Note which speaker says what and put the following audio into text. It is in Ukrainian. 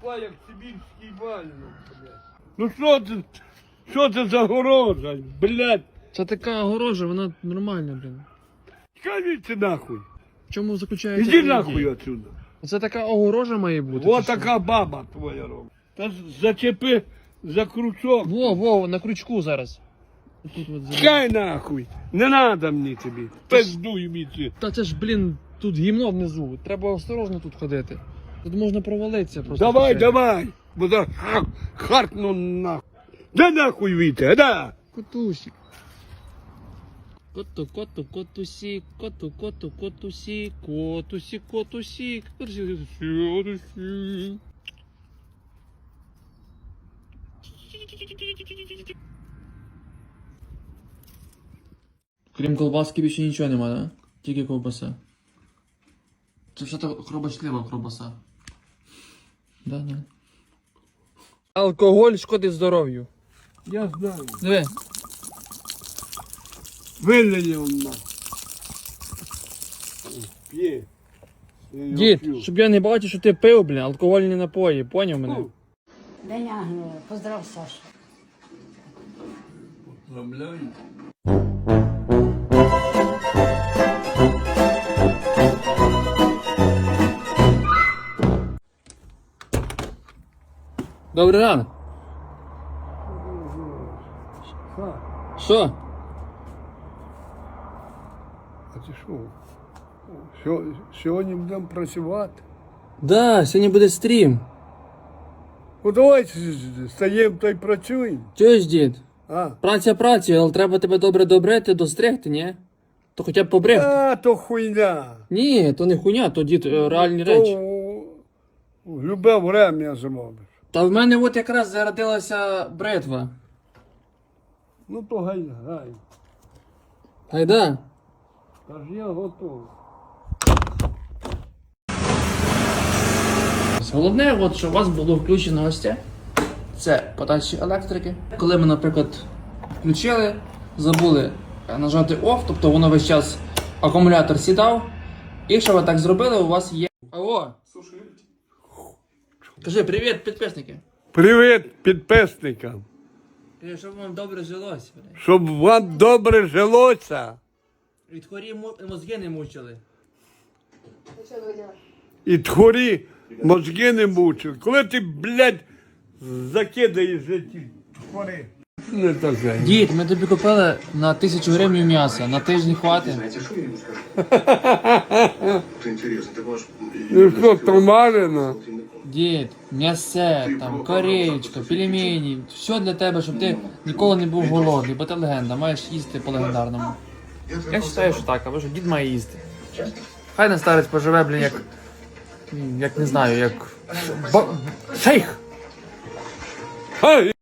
Speaker 1: тупа, як сибірський вальник, блядь. Ну що це за огорожа, блядь?
Speaker 2: Це така огорожа, вона нормальна, блін.
Speaker 1: Скажіть нахуй.
Speaker 2: В чому заключається?
Speaker 1: Іди
Speaker 2: ідея?
Speaker 1: нахуй отсюда.
Speaker 2: Це така огорожа має бути.
Speaker 1: Вот така баба твоя робить. Та зачепи за крючок.
Speaker 2: Во, на крючку зараз. Тут от
Speaker 1: Чекай нахуй. Не надо мені тобі. Пиздуй мені.
Speaker 2: Та це ж, блін, тут гімно внизу. Треба осторожно тут ходити. Тут можна провалитися просто.
Speaker 1: Давай. Бо за харкну нахуй. Да нахуй віте, да.
Speaker 2: Котусик. Котусик, котусик, котусик. Крім колбаски більше нічого нема, да? Тільки ковбаса. Це все так хробочлива ковбаса. Да. Алкоголь шкодить здоров'ю.
Speaker 1: Я знаю.
Speaker 2: Диви.
Speaker 1: Вилені он нахуй. П'є.
Speaker 2: Дід, щоб я не бачив, що ти пив, блін, алкогольні напої, поняв мене?
Speaker 3: День Ангела. Поздрав, Саша.
Speaker 1: Поздравляю.
Speaker 2: Добрий ранок. Що?
Speaker 1: А ти що? Сьогодні будемо працювати.
Speaker 2: Да, сьогодні буде стрім.
Speaker 1: Ну давай стаємо та й працюємо.
Speaker 2: Чуєш, дід?
Speaker 1: А?
Speaker 2: Праця, але треба тебе добре добрити, достригти, ні? То хоча б побрехти.
Speaker 1: А, то хуйня.
Speaker 2: Ні, то не хуйня, то дід, реальні речі.
Speaker 1: В любе время зробиш.
Speaker 2: Та в мене от якраз зародилася бритва.
Speaker 1: Ну то гай.
Speaker 2: Гайда.
Speaker 1: Та ж я готовий.
Speaker 2: Головне, от, що у вас було включено ось це подачі електрики. Коли ми, наприклад, включили, забули нажати OFF, тобто воно весь час акумулятор сідав. І якщо ви так зробили, у вас є... Алло! Кажи привіт, підписники!
Speaker 1: Привіт підписникам.
Speaker 2: Кажи, щоб вам добре жилося.
Speaker 1: Щоб вам добре жилося.
Speaker 2: Від хворі мозги не мучили.
Speaker 1: І тхорі мозги не мучили. Коли ти, блядь, закидаєш ті тхори. Не таке.
Speaker 2: Дід, ми тобі купили на 1000 гривень м'яса, на тиждень хватить.
Speaker 4: Знаете, что я ему скажу? Это интересно, так ваш...
Speaker 1: Ну що, томарено?
Speaker 2: Дід, м'ясе, там, кореєчка, пельмені, все для тебе, щоб ти ніколи не був голодний, бо ти легенда, маєш їсти по легендарному. Я вважаю, що так, або що дід має їсти. Хай на старець поживе, блін, як не знаю, як... Шейх!
Speaker 1: Хай!